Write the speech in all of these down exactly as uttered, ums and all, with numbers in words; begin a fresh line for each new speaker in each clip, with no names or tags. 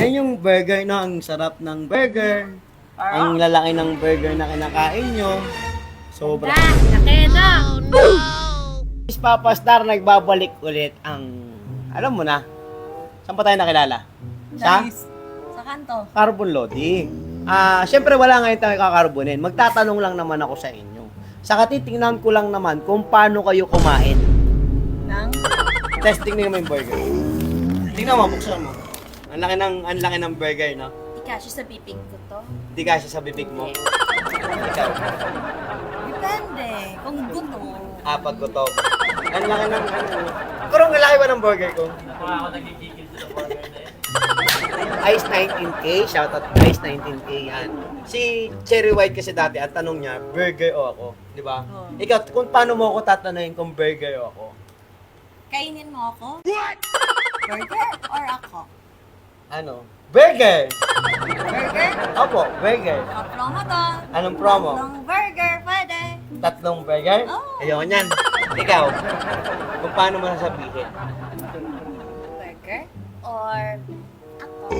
Yan yung burger na ang sarap ng burger. Ang lalaki ng burger na kinakain nyo. Sobra.
Laki na!
Miss Papa Star, nagbabalik ulit ang, alam mo na, saan pa tayo nakilala? Sa?
Sa kanto.
Carbon Lodi. Ah, syempre wala ngayon tayo kakarbonin. Magtatanong lang naman ako sa inyo. Sa katitingnan ko lang naman kung paano kayo kumain.
Nang?
Testing nyo yung burger. Tingnan mo, buksan mo. Ang laki ng, ang laki ng burger, no?
Di kasi sa bibig ko to.
Hindi kasi sa bibig mo. Ikaw.
Depende. Kung gusto.
Ah, pag gutom. Ang laki ng, ano. Kurong laki ba ng burger ko?
Ako nagigigil sa burger na yun.
Ice nineteen K, shoutout Ice nineteen K yan. Si Cherry White kasi dati, ang tanong niya, burger o ako? Di ba?
Oh.
Ikaw, kung paano mo ako tatanungin kung burger o ako?
Kainin mo ako? What? Burger or ako?
Ano? Burger!
Burger?
Opo, burger.
Pa-promo to.
Anong promo?
Tatlong burger, pwede.
Tatlong burger?
Oo.
Ayoko niyan. Ikaw, kung paano mo nasabihin?
Burger or ako?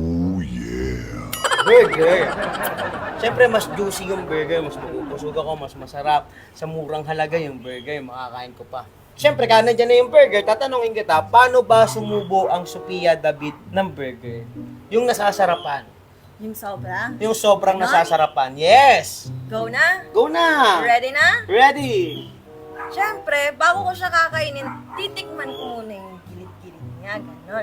Burger! Siyempre, mas juicy yung burger, mas mabubusog ako, mas masarap. Sa murang halaga yung burger, makakain ko pa. Siyempre, kaya nandiyan na yung burger, tatanungin kita, paano ba sumubo ang Sophia David ng burger? Yung nasasarapan.
Yung sobra?
Yung sobrang
Ganon?
nasasarapan. Yes!
Go na?
Go na!
Ready na?
Ready!
Siyempre, bago ko siya kakainin, titikman ko muna yung gilid-gilid niya, ganon.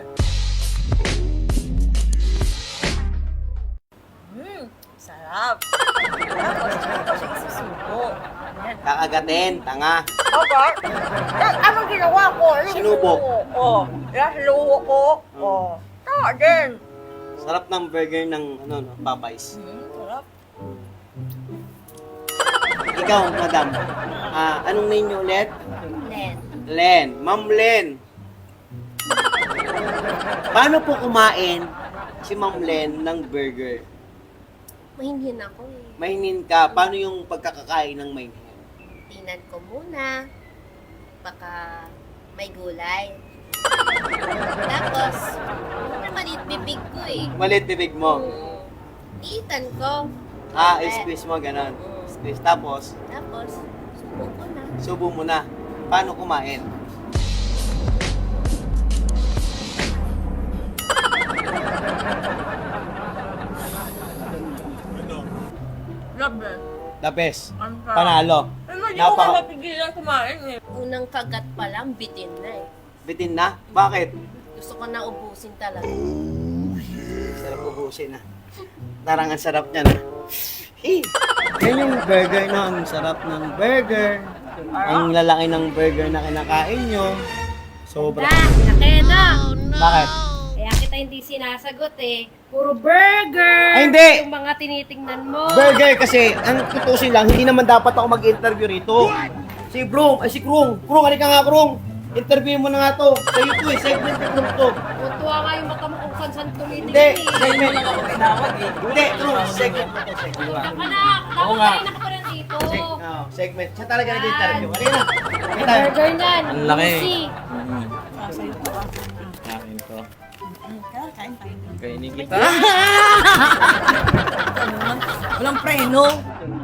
Mmm, sarap. Tapos, tsaka ko siya isusubo. Ayan.
Kakagatin, tanga.
Opo. Eh, anong ginawa ko? Yung
Sinubok.
subo ko. Oh, yung sinubo ko. Oh. Tama din.
Sarap ng burger ng ano, no, Popeyes.
Hmm, sarap.
Ikaw, madam, ah, anong name niyo ulit?
Len.
Len. Ma'am Len. Paano po kumain si Ma'am Len ng burger?
Mahinhin ako eh.
Mahingin ka. Paano yung pagkakakain ng mahingin?
Tingnan ko muna. Baka may gulay. Tapos, ano maliit bibig ko eh.
Malit bibig mo.
Hmm, Iitan ko.
Ah,
Eh,
squeeze mo, ganon. Squeeze. Tapos,
Tapos, subo ko na.
subo mo na. Paano kumain?
Grabe.
The best.
Ang sarap.
Panalo.
Ano, hindi ko
Napaka-
ka mapigilan kumain eh.
Unang kagat pa lang, bitin na eh.
Bitin na? Bakit?
Gusto ko na ubusin talaga.
Sarap ubusin na. Tarang ang sarap niya na. Hey! Yan yung burger na ang sarap ng burger. Ang lalaki ng burger na kinakain nyo. Sobra.
laki na.
Bakit?
Kaya kita hindi sinasagot eh. Puro burger!
Ay, hindi!
Yung mga tinitingnan mo.
Burger kasi, ang tutusin lang, hindi naman dapat ako mag-interview rito. Si Brong, ay si Krung. Krung, halika nga Krung. Interview mo na nga to. Sa'yo to eh, segment ni Krung to.
Tuwa nga yung mata mo kung saan-saan tumitingin
Hindi,
eh.
segment.
Lang ako tinawag eh.
Hindi, Krung, segment mo to, segment.
Anak,
Oo
dapat
nga.
kayo nakaparan dito.
Seg- oh, segment. Siya talaga nag-interview. Halika na. Halika na.
Burger yan.
Ang laki.
Juicy.
Kain ko.
Kain tayo.
Kainin kita.
Walang preno.